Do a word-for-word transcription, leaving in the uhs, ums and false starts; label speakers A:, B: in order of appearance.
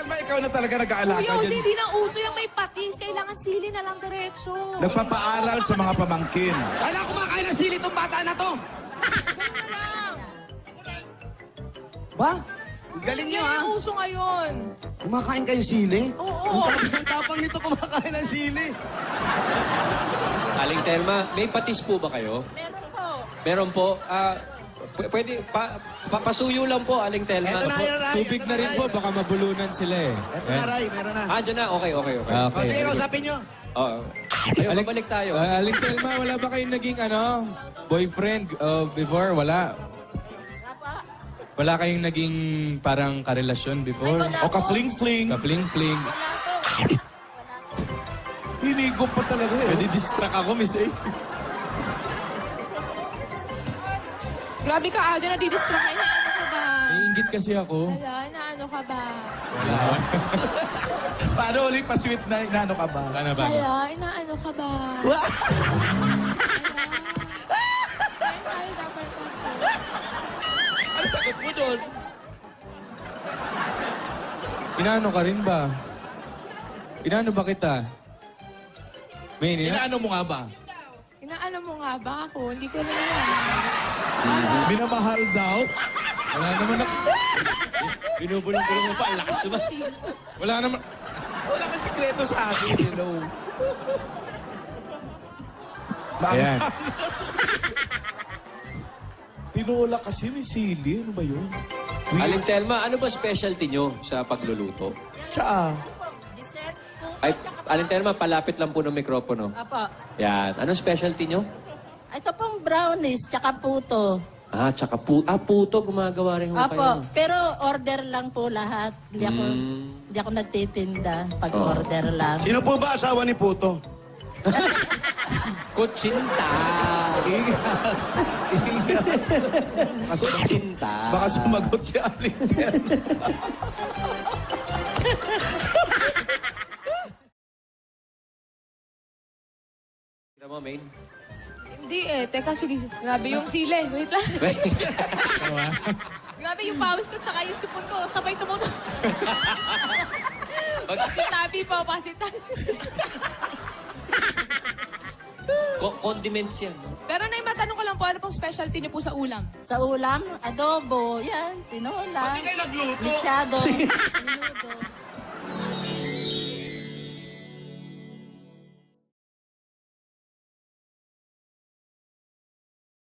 A: Kailan ba ikaw na talaga nag-aalaga
B: Kuya, kasi
A: dyan?
B: hindi na uso yung may patis. Kailangan sili na lang diretso.
A: Nagpapaaral sa mga pamangkin.
C: Kailan kumakain ng sili itong bata na to?
B: Ganun na lang.
C: Ba? Galing nyo
B: Yan
C: ha.
B: yung uso ngayon.
C: Kumakain kayo sili?
B: Oo.
C: Ang tapang nito kumakain ng sili.
D: Aling Telma, may patis po ba kayo?
E: Meron po.
D: Meron po. Ah, p- pwede, pa, papasuyo lang po, Aling Telma.
C: Eto na, Ray.
F: Tubig
C: Eto
F: na rin
C: Ray.
F: po, baka mabulunan sila eh.
C: Eto na, Ray. Meron na.
D: Ah, dyan na. Okay, okay, okay.
F: Ah,
C: Okay,
F: okay.
C: kausapin nyo.
D: Oo. Ayun,
F: Aling-
D: babalik tayo.
F: Ah, Aling Telma, wala ba kayong naging ano, boyfriend uh, before? Wala. Wala kayong naging parang karelasyon before?
E: Ay, wala.
A: O ka-fling-fling.
F: Ka-fling-fling.
E: Wala po. Wala po.
A: Hinigop pa talaga eh.
F: Pwede distract ako, Miss A.
B: Grabe ka, Aldo, nadidistract ka. Inaano ka ba?
F: Naiingit kasi ako.
B: Hala, inaano ka ba?
F: Wala.
A: Paano ulit pa-sweet na inaano ka ba?
F: Wala na ba?
B: Hala, inaano ka ba? Hala. Ayun tayo dapat pa.
A: Ano sagot mo doon?
F: Inaano ka rin ba? Inaano ba kita? May ina?
A: Inaano mo nga ba?
B: Inaano mo nga ba ako? Hindi ko na yan.
A: Minamahal daw?
F: Wala naman ako.
D: Binubulong-bulong mo pa. Ang lakas naman.
F: Wala naman.
A: Wala kang sikreto sa akin. Hello.
F: Ayan.
A: Tinola kasi ni Sili. Ano ba yun?
D: Aling Telma, ano ba specialty nyo sa pagluluto?
A: Siya.
E: Dessert po.
D: Ay, Aling Telma, palapit lang po ng mikropono.
E: Apo.
D: Yan. Anong specialty nyo?
E: Ito pong brownies, tsaka puto.
D: Ah, tsaka pu ah, puto gumagawa rin ho
E: Apo.
D: kayo.
E: Pero order lang po lahat. Hindi ako,
D: Mm.
E: hindi ako nagtitinda pag
D: Oh.
E: order lang.
C: Sino po ba asawa ni Puto?
D: Kutsinta!
A: Ingat. Ingat. Kasi baka,
D: Kutsinta!
A: baka sumagot si Aling Telma.
D: Kita mo, Main?
B: Hindi eh. Teka, sige. Grabe yung sili. Wait lang. Grabe yung pawis ko tsaka yung sipon ko. Sabay tumuto. Pasitabi po, pasitabi.
D: Co- condiments yan. no?
B: Pero na matanong ko lang po, ano pong specialty niyo po sa ulam?
E: Sa ulam, adobo, yan, tinola,
C: Hindi kayo nagluto.
E: michado, minudo.